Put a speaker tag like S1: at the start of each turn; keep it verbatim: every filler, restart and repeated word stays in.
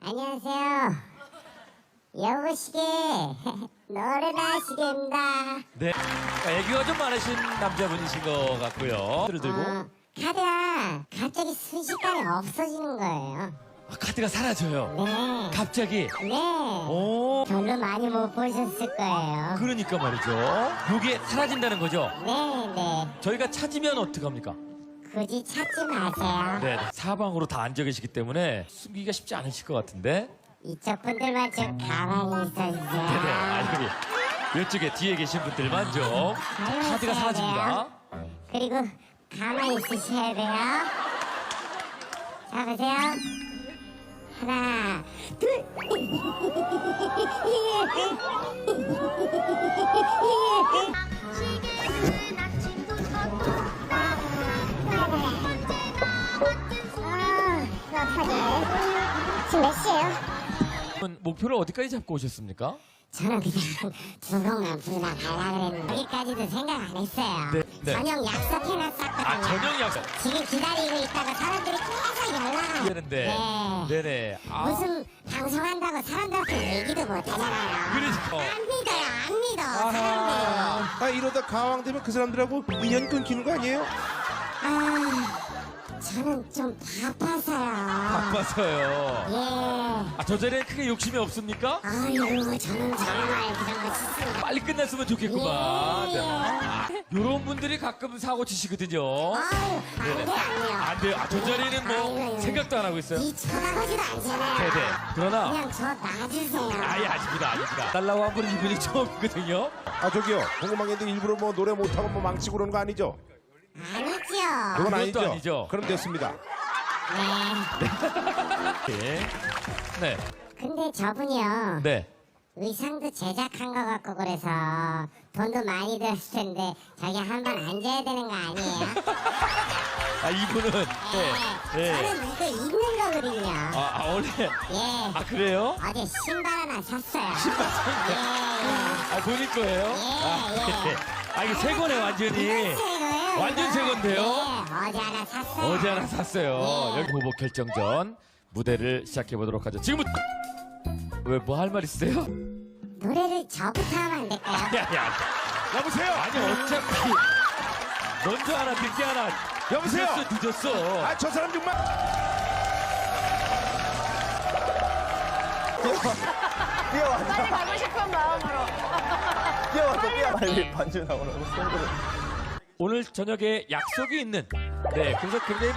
S1: 안녕하세요. 여보시게 노래나시겠다.
S2: 네. 애교가 좀 많으신 남자분이신 것 같고요. 들을 들고.
S1: 어, 카드가 갑자기 순식간에 없어지는 거예요.
S2: 아, 카드가 사라져요.
S1: 네.
S2: 갑자기.
S1: 네.
S2: 오.
S1: 별로 많이 못 보셨을 거예요.
S2: 그러니까 말이죠. 요게 사라진다는 거죠.
S1: 네, 네.
S2: 저희가 찾으면 어떡합니까?
S1: 굳이 찾지 마세요.
S2: 네. 사방으로 다 앉아 계시기 때문에 숨기기가 쉽지 않으실 것 같은데.
S1: 이쪽 분들만 좀 가만히 있어주세요.
S2: 네네. 아니, 이쪽에 뒤에 계신 분들만 좀. 자, 카드가 사라집니다.
S1: 그리고 가만히 있으셔야 돼요. 자, 보세요. 하나, 둘.
S3: 시계는 아침부터
S1: 아, 어떡하지? 지금 몇 시예요?
S2: 목표를 어디까지 잡고 오셨습니까?
S1: 저는 그냥 두곡만 부르다 가려고 그랬는데 여기까지도 생각 안 했어요.
S2: 네, 네.
S1: 저녁 약속해놨었거든요.
S2: 아, 저녁 약속.
S1: 지금 기다리고 있다가 사람들이 계속 연락을
S2: 되는데.
S1: 네.
S2: 네네. 아.
S1: 무슨 방송한다고 사람들한테 얘기도 못하잖아요.
S2: 그러니까.
S1: 안 믿어요, 안 믿어. 사람들.
S4: 아 이러다 가왕 되면 그 사람들하고 인연 끊기는 거 아니에요?
S1: 아, 저는 좀 바빠서요.
S2: 바빠서요.
S1: 예.
S2: 아, 저 자리에 크게 욕심이 없습니까?
S1: 아유, 저는 정말 그런 거 싫습니다.
S2: 빨리 끝났으면 좋겠구만.
S1: 예, 예.
S2: 아, 요런 분들이 가끔 사고 치시거든요.
S1: 아유, 안
S2: 네네.
S1: 돼, 안 돼요.
S2: 안 돼요. 아, 저 자리는 뭐
S1: 아유,
S2: 생각도 안 하고 있어요.
S1: 이 쳐다보지도 않잖아요.
S2: 네네. 그러나
S1: 그냥 저 놔주세요.
S2: 아예 아닙니다, 아닙니다. 달라고 한 분은 이분이 처음이거든요.
S4: 아 저기요 궁금한 게 있는데 일부러 뭐 노래 못하고 뭐 망치고 그러는 거 아니죠?
S1: 아니죠.
S4: 그건
S2: 그것도
S4: 아니죠?
S2: 아니죠.
S4: 그럼 됐습니다.
S1: 네.
S2: 네. 네.
S1: 근데 저분이요.
S2: 네.
S1: 의상도 제작한 거 같고 그래서 돈도 많이 들었을 텐데 저기 한번 앉아야 되는 거 아니에요?
S2: 아, 이분은. 네. 네.
S1: 저는 이거 입는 거거든요.
S2: 아, 아, 원래.
S1: 예.
S2: 아, 그래요?
S1: 어제 신발 하나 샀어요.
S2: 신발
S1: 예, 예.
S2: 아, 본인 거예요? 아,
S1: 예.
S2: 네. 아, 이게 새 거네, 완전히.
S1: 이건 새 거예요,
S2: 완전
S1: 이거.
S2: 새 건데요?
S1: 예, 어제 하나 샀어요.
S2: 어제 하나 샀어요.
S1: 예.
S2: 여기 후보 결정전 무대를 시작해 보도록 하죠. 지금부터 왜 뭐 할 말 있으세요?
S1: 노래를 저부터 하면 안 될까요?
S2: 야야.
S4: 여보세요.
S2: 아니 어차피 먼저 하나 늦게 하나.
S4: 여보세요.
S2: 늦었어 늦었어.
S4: 아 저 사람 정말.
S5: 빨리 가고 싶은 마음으로.
S6: 뛰어와서 뛰어 빨리 반주 나오라고 손으로.
S2: 오늘 저녁에 약속이 있는. 네 그래서 굉장히